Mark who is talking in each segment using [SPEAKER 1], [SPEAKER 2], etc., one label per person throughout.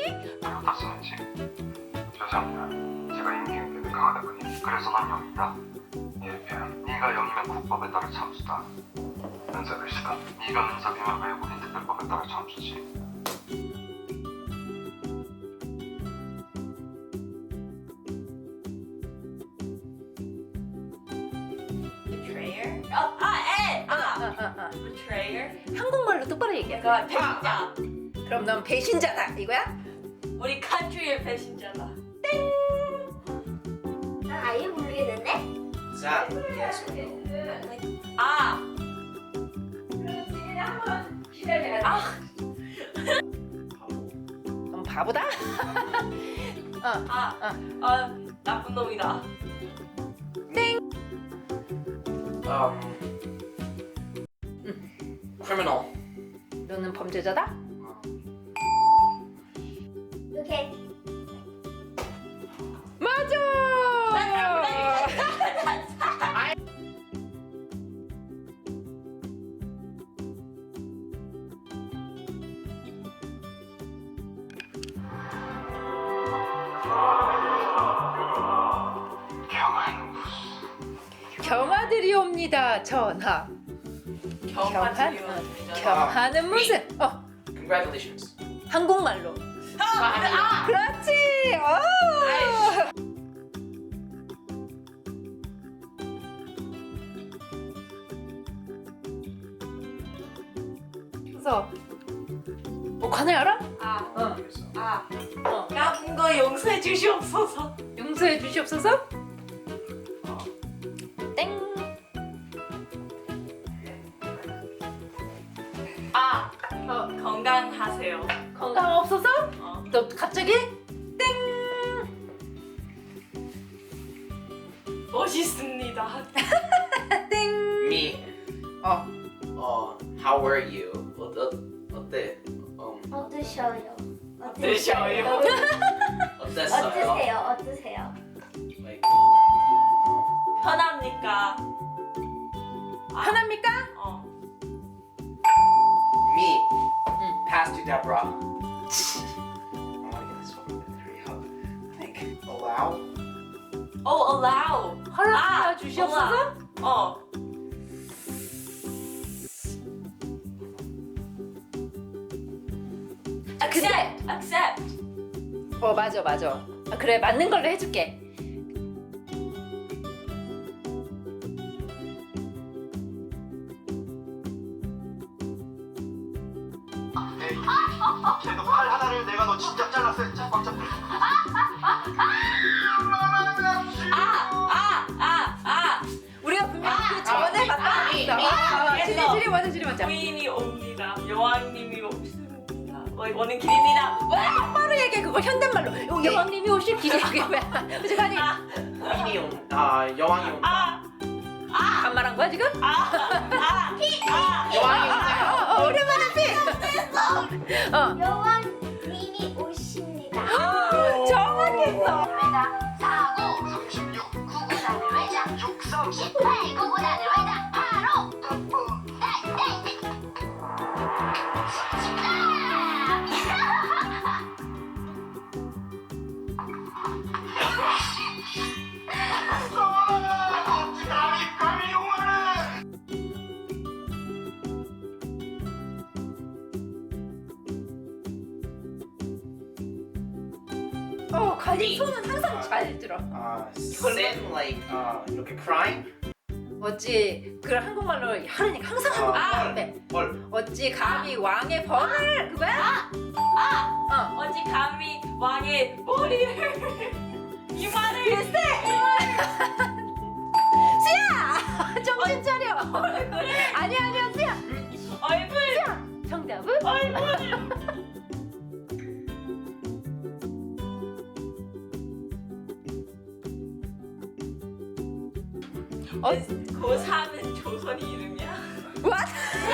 [SPEAKER 1] 어디다 쓰는지. 죄송합니다. 제가 인기응변이 강하다 보니 그래서 난 0이다. 예편 네가 0이면 국법에 따라 참수다. 은사글씨다. 네가 은사비면 외국인 특별법에 따라 참수지.
[SPEAKER 2] Betrayer? Betrayer?
[SPEAKER 3] 한국말로 똑바로 얘기해.
[SPEAKER 2] 그러니까 배신자.
[SPEAKER 3] 그럼 넌 배신자다 이거야?
[SPEAKER 2] 우리 country의 배신자다.
[SPEAKER 4] 난 아예 모르겠는데?
[SPEAKER 5] Zap. Yes or no?
[SPEAKER 2] 아. 아.
[SPEAKER 3] 넌 바보다?
[SPEAKER 2] 나쁜 놈이다.
[SPEAKER 5] Criminal.
[SPEAKER 3] 너는 범죄자다?
[SPEAKER 4] 오케이.
[SPEAKER 3] 맞아! 경하들이 옵니다. 전하. 경하는 무슨?
[SPEAKER 5] Congratulations.
[SPEAKER 3] 한국말로. 그렇지. 그래서 관을 알아?
[SPEAKER 2] 나쁜 거 용서해 주시옵소서.
[SPEAKER 3] 용서해 주시옵소서. 땡.
[SPEAKER 2] 건강하세요.
[SPEAKER 3] 건강 없어서? 너 갑자기
[SPEAKER 2] 멋있습니다.
[SPEAKER 3] 땡.
[SPEAKER 5] Me. How were you? 어때?
[SPEAKER 4] 어떠셔요?
[SPEAKER 2] 어떠셔요?
[SPEAKER 5] 어땠어요?
[SPEAKER 4] 어떠세요?
[SPEAKER 5] Like,
[SPEAKER 2] 편합니까?
[SPEAKER 3] 편합니까?
[SPEAKER 5] me. Pass to Deborah. I want to get this one. Hurry up. Like, allow.
[SPEAKER 2] allow.
[SPEAKER 3] 허락 주시옵소서.
[SPEAKER 2] accept.
[SPEAKER 3] 맞아. 그래 맞는 걸로 해줄게.
[SPEAKER 1] 걔도 팔 하나를 내가 너 진짜 잘랐어. 꽉 잡고.
[SPEAKER 3] 우리가 분명히 그 전에 봤다. 지리 먼저.
[SPEAKER 2] 부인이 옵니다. 여왕님이 오십니다. 오는 길입니다.
[SPEAKER 3] 똑바로 얘기해 그거 현대말로. 여왕님이 오실 길이 그게 뭐야? 그치 아니
[SPEAKER 5] 여왕이 온다.
[SPEAKER 3] 반말한 거야 지금?
[SPEAKER 5] 여왕이 온다.
[SPEAKER 3] 오랜만에 피.
[SPEAKER 4] 여왕님이 오십니다.
[SPEAKER 3] 정확했어.
[SPEAKER 4] 36 구구단을 외자 68 구구단을 외자 바로
[SPEAKER 3] 가지 손은 항상 잘 들어.
[SPEAKER 5] Sin like 이렇게 crime.
[SPEAKER 3] 어찌 그걸 한국말로 하려니까 항상 한국말 돼.
[SPEAKER 5] 벌.
[SPEAKER 3] 어찌 감히 왕의 벌을 그거야?
[SPEAKER 2] 어찌 감히 왕의 머리를 이마를
[SPEAKER 3] 글쎄. 수야 정신 차려. 아니야 수야.
[SPEAKER 2] 얼굴
[SPEAKER 3] 정답은?
[SPEAKER 2] 고3은 조선이 이름이야?
[SPEAKER 3] What?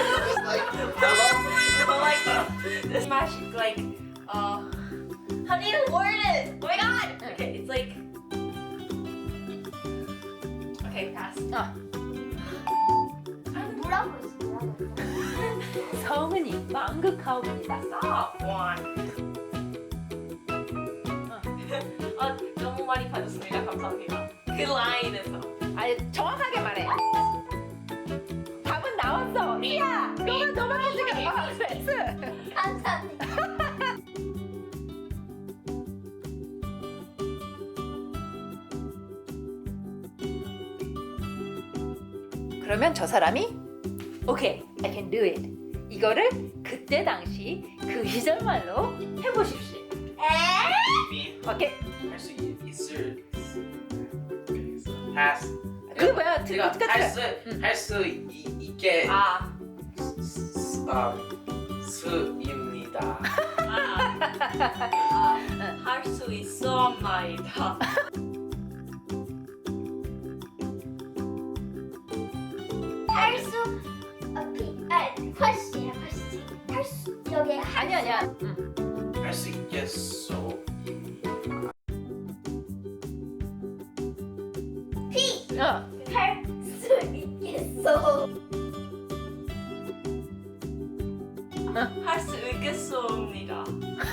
[SPEAKER 2] This match like how do you word it? Oh my god! Okay, it's like okay, pass.
[SPEAKER 4] 뭐라고 했어?
[SPEAKER 3] 성은이 망극하옵니다.
[SPEAKER 2] Stop one. 자기가. 그 라인에서.
[SPEAKER 3] 아니 정확하게 말해. 답은 나왔어. 야, 너만 해주게. S.
[SPEAKER 4] 감사합니다.
[SPEAKER 3] 그러면 저 사람이 오케이, I can do it. 이거를 그때 당시 그 시절 말로 해보십시오.
[SPEAKER 5] 미
[SPEAKER 3] 오케이.
[SPEAKER 5] 할수 있을 has
[SPEAKER 3] 그게 뭐야?
[SPEAKER 5] 내가
[SPEAKER 3] 끝.
[SPEAKER 5] 할수 있게
[SPEAKER 2] 아.
[SPEAKER 5] 수입니다.
[SPEAKER 2] 할 수 있어옵나이다.
[SPEAKER 4] 할수 훨씬 할수 여기
[SPEAKER 3] 아니야.
[SPEAKER 5] 할 수 있겠소.
[SPEAKER 4] 할수 있겠어.
[SPEAKER 2] 할 수 있겠소입니다.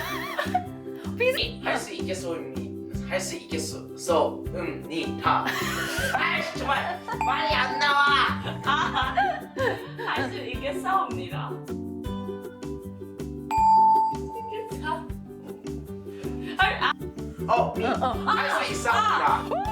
[SPEAKER 5] 할수 있겠소입니다. 할 수 있겠소입니다. 아 정말 말이 안 나와.
[SPEAKER 2] 할 수 있겠사옵니다.
[SPEAKER 5] 할 수 있습니다.